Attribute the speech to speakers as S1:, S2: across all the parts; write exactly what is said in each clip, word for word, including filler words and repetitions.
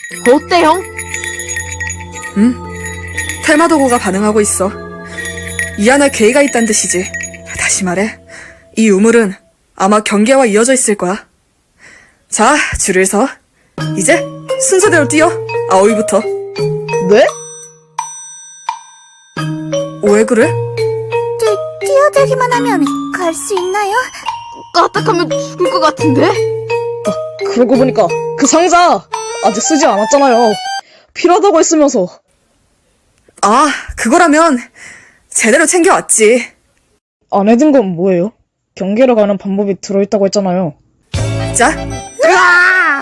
S1: 어때, 형?
S2: 응? 테마도구가 반응하고 있어. 이 안에 괴이가 있단 뜻이지. 다시 말해, 이 우물은 아마 경계와 이어져 있을 거야. 자, 줄을 서. 이제 순서대로 뛰어. 아오이부터.
S3: 네?
S2: 왜 그래?
S4: 뛰, 뛰어들기만 하면 갈 수 있나요?
S1: 까딱하면 죽을 것 같은데?
S3: 그러고 보니까 그 상자 아직 쓰지 않았잖아요. 필요하다고 했으면서.
S2: 아, 그거라면 제대로 챙겨왔지.
S3: 안에 든 건 뭐예요? 경계로 가는 방법이 들어있다고 했잖아요.
S2: 자,
S1: 으아!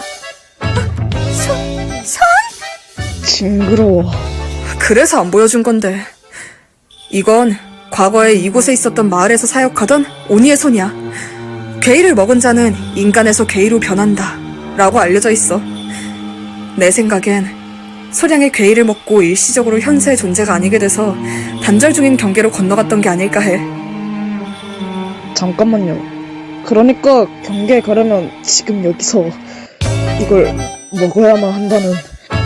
S3: 징그러워.
S2: 그래서 안 보여준 건데. 이건 과거에 이곳에 있었던 마을에서 사역하던 오니의 손이야. 괴이를 먹은 자는 인간에서 괴이로 변한다 라고 알려져 있어. 내 생각엔 소량의 괴이를 먹고 일시적으로 현세의 존재가 아니게 돼서 단절 중인 경계로 건너갔던 게 아닐까 해.
S3: 잠깐만요. 그러니까 경계에 가려면 지금 여기서 이걸 먹어야만 한다는.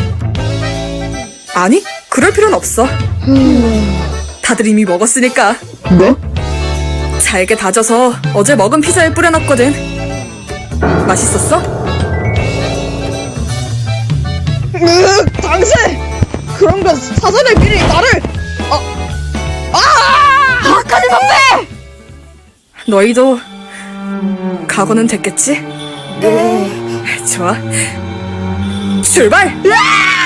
S2: 아니, 그럴 필요는 없어. 다들 이미 먹었으니까.
S3: 네?
S2: 잘게 다져서 어제 먹은 피자에 뿌려놨거든. 맛있었어?
S3: 으, 당신! 그런 건 사전에 미리 나를!
S1: 아까는 선배!
S2: 너희도 각오는 됐겠지?
S4: 네.
S2: 좋아. 출발!
S1: 으아!